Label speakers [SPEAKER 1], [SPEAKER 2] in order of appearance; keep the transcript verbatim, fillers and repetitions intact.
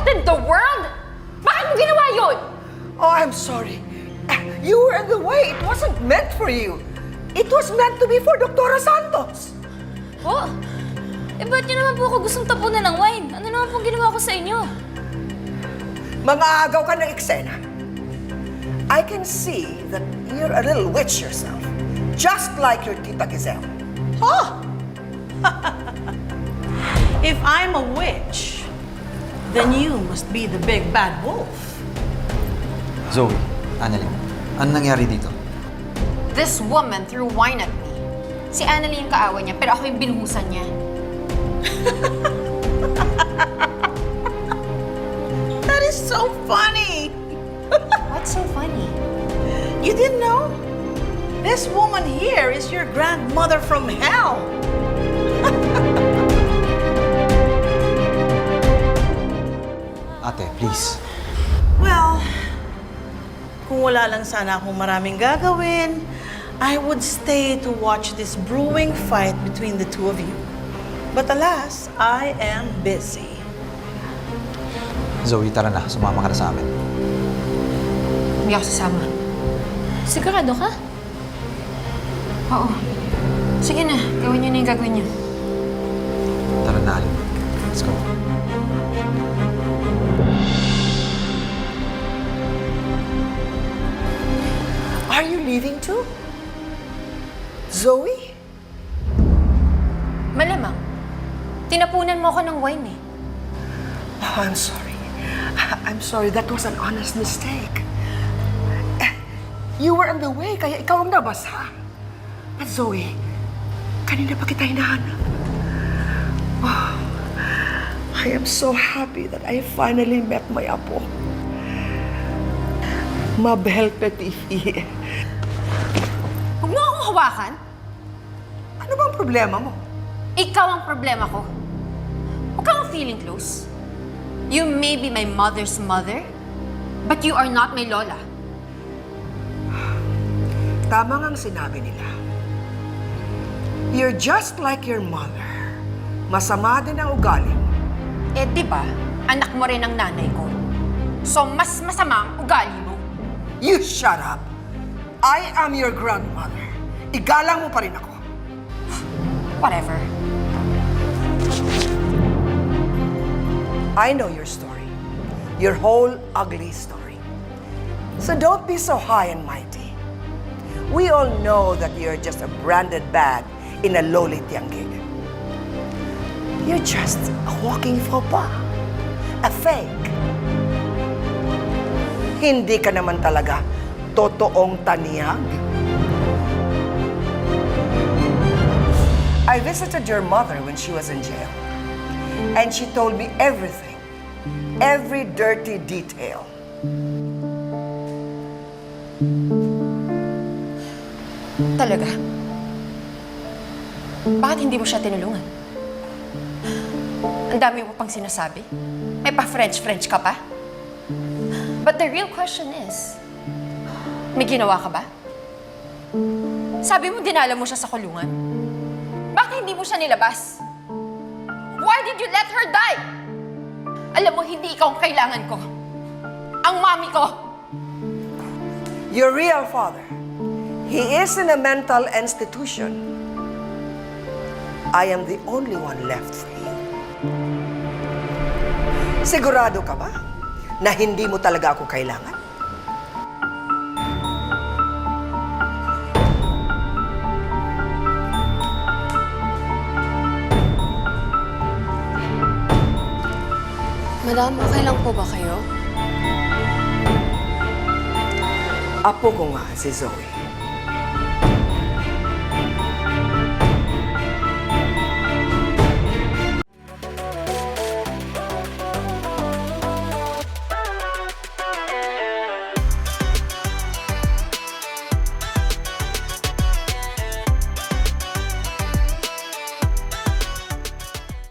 [SPEAKER 1] in the world? Bakit mo ginawa yun?
[SPEAKER 2] Oh, I'm sorry. You were in the way. It wasn't meant for you. It was meant to be for Doktora Santos.
[SPEAKER 3] Po? Eh, ba't niyo naman po ako gustong tapunan ng wine? Ano naman pong ginawa ko sa inyo?
[SPEAKER 2] Mga agaw ka ng eksena. I can see that you're a little witch yourself. Just like your Tita Giselle.
[SPEAKER 4] Huh? If I'm a witch, then you must be the big bad wolf.
[SPEAKER 5] Zoe, Annalyn, ano nangyari dito?
[SPEAKER 1] This woman threw wine at me. Si Annalie yung kaawa niya, pero ako yung binuhusan niya.
[SPEAKER 4] That is so funny.
[SPEAKER 1] What's so funny?
[SPEAKER 4] You didn't know? This woman here is your grandmother from hell.
[SPEAKER 5] Ate, please.
[SPEAKER 4] Well, kung wala lang sana akong maraming gagawin, I would stay to watch this brewing fight between the two of you. But alas, I am busy.
[SPEAKER 5] Zoe, tara na. Sumama ka na sa amin.
[SPEAKER 1] Hindi ako sasama.
[SPEAKER 3] Sigurado ka?
[SPEAKER 1] Oo. Sige na, gawin niyo na yung gagawin niyo.
[SPEAKER 5] Tara na, Alin. Let's go.
[SPEAKER 2] Are you leaving too? Zoe?
[SPEAKER 1] Malamang. Tinapunan mo ako ng wine eh.
[SPEAKER 2] Oh, I'm sorry. I'm sorry. That was an honest mistake. You were in the way, kaya ikaw ang nabasa. But Zoe, kanina pa kita hinahanap. Oh, I am so happy that I finally met my apo. Mabel Petifi.
[SPEAKER 1] Huwag mo akong hawakan.
[SPEAKER 2] Ano bang problema mo?
[SPEAKER 1] Ikaw ang problema ko. Huwag kang feeling close. You may be my mother's mother, but you are not my lola.
[SPEAKER 2] Tama ngang sinabi nila. You're just like your mother. Masama din ang ugali mo.
[SPEAKER 1] Eh, di ba? Anak mo rin ang nanay ko. So, mas masama ang ugali mo.
[SPEAKER 2] You shut up. I am your grandmother. Igalang mo pa rin ako.
[SPEAKER 1] Whatever.
[SPEAKER 2] I know your story. Your whole ugly story. So don't be so high and mighty. We all know that you're just a branded bag in a lowly tianggig. You're just a walking faux pas. A fake. Hindi ka naman talaga totoong taniyag. I visited your mother when she was in jail. And she told me everything. Every dirty detail.
[SPEAKER 1] Talaga? Bakit hindi mo siya tinulungan? Ang dami mo pang sinasabi. May pa-French-French ka pa. But the real question is, may ginawa ka ba? Sabi mo dinala mo siya sa kulungan. Bakit hindi mo siya nilabas? Why did you let her die? Alam mo, hindi ikaw ang kailangan ko. Ang mami ko.
[SPEAKER 2] Your real father. He is in a mental institution. I am the only one left for you. Sigurado ka ba na hindi mo talaga ako kailangan?
[SPEAKER 3] Madam, okay lang po ba kayo?
[SPEAKER 2] Apo ko nga si Zoe.